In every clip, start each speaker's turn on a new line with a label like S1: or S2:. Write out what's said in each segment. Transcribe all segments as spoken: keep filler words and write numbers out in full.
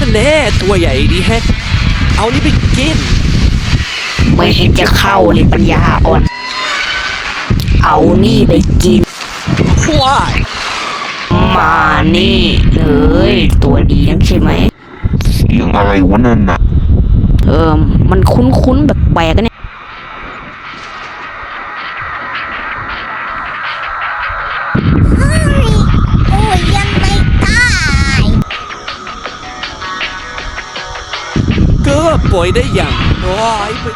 S1: แน่ตัวใหญ่ดีแฮะเอานี่ไปกิน
S2: ไม่เห็นจะเข้าเลยปัญญาอ่อนเอานี่ไปกิน
S1: ว้าย
S2: มานี่เลยตัวดีนักใช่ไหม
S3: เสียงอะไรวะนั่นน่ะ
S2: เออมันคุ้นๆแบบแปลกๆเนี่ย
S4: โอ้ยยังไม่ตาย
S1: ก็ปล่อยได้อย่างว้ายไป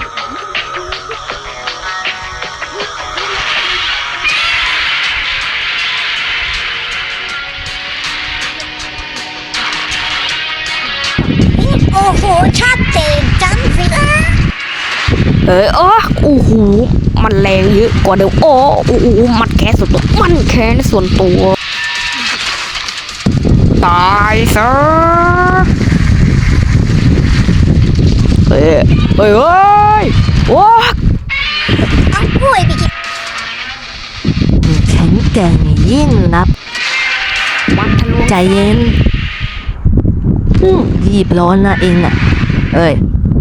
S4: โอ้โหชัดเจนจังสินะ
S2: เอออ๋อโอ้โหมันแรงเยอะกว่าเดิมโอ้โอ้โหมันแค่ส่วนตัวมันแค่ส่วนตัวตายซะเฮ้ยเฮ้ยเฮ้ยโอ้
S4: เอากล้วยไปกิน
S5: แข็งแกร่งยิ่งนับ
S2: มันทะลวง
S5: ใจเย็นรีบร้อนนะเองอ่ะเอ้ย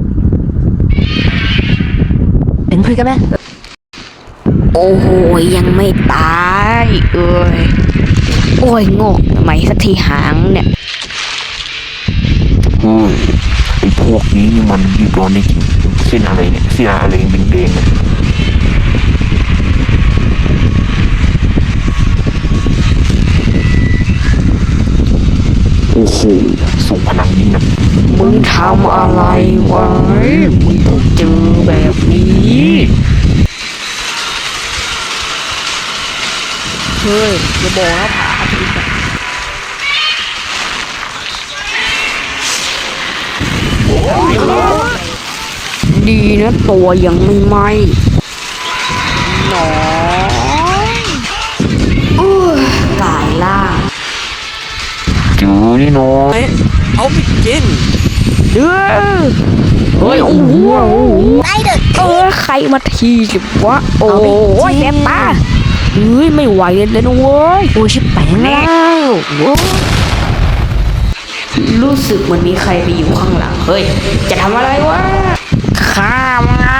S5: เป็นเพื่อนกันไหม
S2: โอ้โหยังไม่ตายเอ้ยโอ้ยงอกทำไมสักทีหางเนี่ย
S3: เฮ้ยไอ้พวกนี้นี่มันรีบร้อนจริงเส้นอะไรเนี่ยเส้นอะไรแดงๆเนี่ยโอ้โหส่งพลังนี่นะ
S2: มึงทำอะไรไว้มึงต้องเจอแบบนี้เฮ้ยอย่าบอกนะผาทีดีนะตัวยังไม่ไหม้หนอนกายล่า
S3: จือนี่น้อย
S1: เอาไปกิน
S2: เด้อเฮ้ยโอ้โห
S4: ไอเด็ก
S2: เออใครมาทีสิวะโอ้ยแสบตาเฮ้ยไม่ไหวเลยนะเว้ย
S5: โอ้ชิบแปงแล้ว
S2: รู้สึกมันมีใครไปอยู่ข้างหลังเฮ้ยจะทำอะไรวะข้ามนะ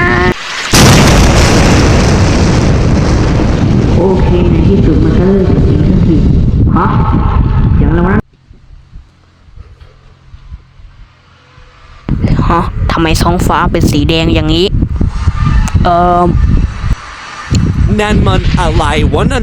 S2: โอเคในที่สุดมันก็เลิกจริงสักทีฮะอย่างไรวะฮะทำไมท้องฟ้าเป็นสีแดงอย่างนี้เอ่อ
S1: นั่นมันอะไรวะนั่น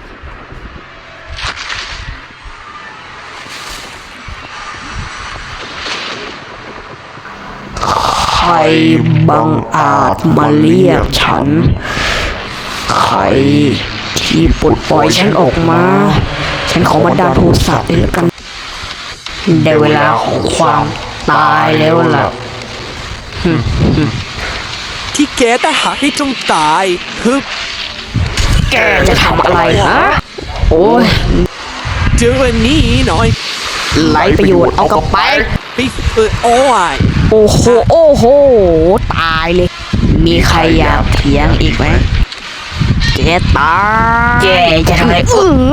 S2: ใครบังอาจมาเรียกฉันใครที่ปลดปล่อยฉันออกมาฉันขอบันดาลโทสะด้วยกันได้เวลาของความตายแล้วล่ะ
S1: ที่แกแต่หาให้จงตายฮึบ
S2: แกจะทำอะไรฮะโอ้ย
S1: เจออันนี้หน่อย
S2: ไรประโยชน์เอากลับไป
S1: ไปเออโอ้ย
S2: โอ้โหโอ้โหตายเลยมีใครอยากเถียงอีกไหมแกตายแกจะทำอะไรอื้อ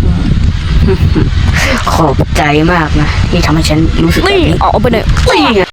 S2: ขอบใจมากนะที่ทำให้ฉันรู้สึกแบบนี้ออกไปเลย